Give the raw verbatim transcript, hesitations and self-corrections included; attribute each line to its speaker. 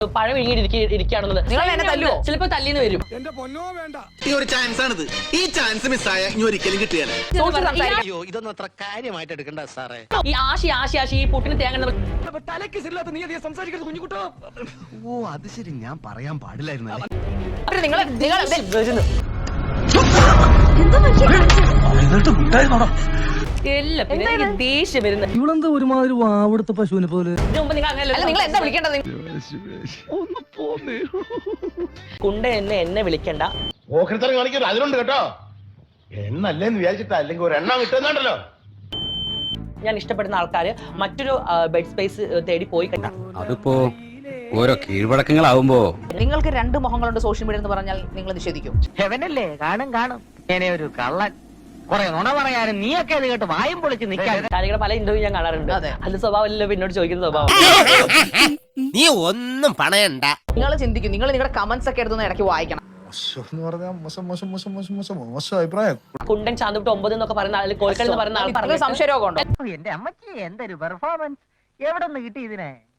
Speaker 1: പഴം ഇരിക്കുകയാണെന്നുള്ളത്
Speaker 2: നിങ്ങൾ എന്നെ തല്ലുവോ?
Speaker 1: ചിലപ്പോ തല്ലിന്ന് വരും.
Speaker 3: ഈ ഒരു ചാൻസ് ആണിത്. ഈ ചാൻസ് മിസ്സായ ഇനി ഒരിക്കലും കിട്ടിയാലേ.
Speaker 4: ഇതൊന്നും അത്ര കാര്യമായിട്ട് എടുക്കണ്ട സാറേ.
Speaker 1: ഈ ആശി ആശി ആശി ഈ പൊട്ടിന് തേങ്ങ
Speaker 4: ഓ അത് ശരി, ഞാൻ പറയാൻ പാടില്ലായിരുന്നു.
Speaker 2: നിങ്ങൾ നിങ്ങൾ
Speaker 1: എല്ലാം പിന്നെ എനിക്ക് ദേഷ്യം വരുന്നത്.
Speaker 5: ഇവളെന്താ ഒരുമാതിരി വാവെടുത്ത പശുവിനെ പോലെ.
Speaker 1: ഇതിനു മുമ്പ് നിങ്ങൾ അങ്ങനെ
Speaker 2: അല്ല നിങ്ങൾ എന്താ വിളിക്കേണ്ടത്?
Speaker 1: കുണ്ട എന്നെ എന്നെ വിളിക്കണ്ട.
Speaker 6: ഓഹരിത്തരം കാണിക്കുന്നത് അതിലുണ്ട് കേട്ടോ. എണ്ണല്ലേന്ന് വിചാരിച്ചിട്ടാ, അല്ലെങ്കിൽ ഒരു എണ്ണം കിട്ടുന്നുണ്ടല്ലോ.
Speaker 1: ഞാൻ ഇഷ്ടപ്പെടുന്ന ആൾക്കാര് മറ്റൊരു ബെഡ് സ്പേസ് തേടി പോയി കണ്ട.
Speaker 7: അതിപ്പോ ഓരോ കീഴ്വഴക്കങ്ങളാവുമ്പോ
Speaker 2: നിങ്ങൾക്ക് രണ്ട് മുഖങ്ങളുണ്ട് സോഷ്യൽ മീഡിയ എന്ന് പറഞ്ഞാൽ നിങ്ങൾ നിഷേധിക്കും.
Speaker 8: ഹെവനല്ലേ? കാണും കാണും. ഇങ്ങനെ ഒരു കള്ളൻ കുറെ നുണ പറയാനും നീയൊക്കെ ഇത് കേട്ട് വായും പൊളിച്ച് നിൽക്കാൻ.
Speaker 1: കാര്യങ്ങൾ പല ഇന്റർവ്യൂ ഞാൻ കാണാറുണ്ട്. അത് സ്വഭാവമല്ലോ എന്നോട് ചോദിക്കുന്ന സ്വഭാവം.
Speaker 4: നീ ഒന്നും പണയണ്ട.
Speaker 2: നിങ്ങൾ ചിന്തിക്കും, നിങ്ങൾ നിങ്ങളുടെ കമന്റ്സ് ഒക്കെ എടുത്തൊന്ന് ഇടയ്ക്ക് വായിക്കണം.
Speaker 1: കുണ്ടൻ ചാന്തുട്ട് ഒമ്പത് എന്നൊക്കെ പറയുന്ന ആൾ, കോഴിക്കൽ എന്ന് പറയുന്ന ആൾ
Speaker 2: സംശയരോഗം ഉണ്ടോ?
Speaker 8: എന്റെ അമ്മച്ചി എന്തൊരു പെർഫോമൻസ്, എവിടെ നിന്ന് കിട്ടി ഇതിനെ?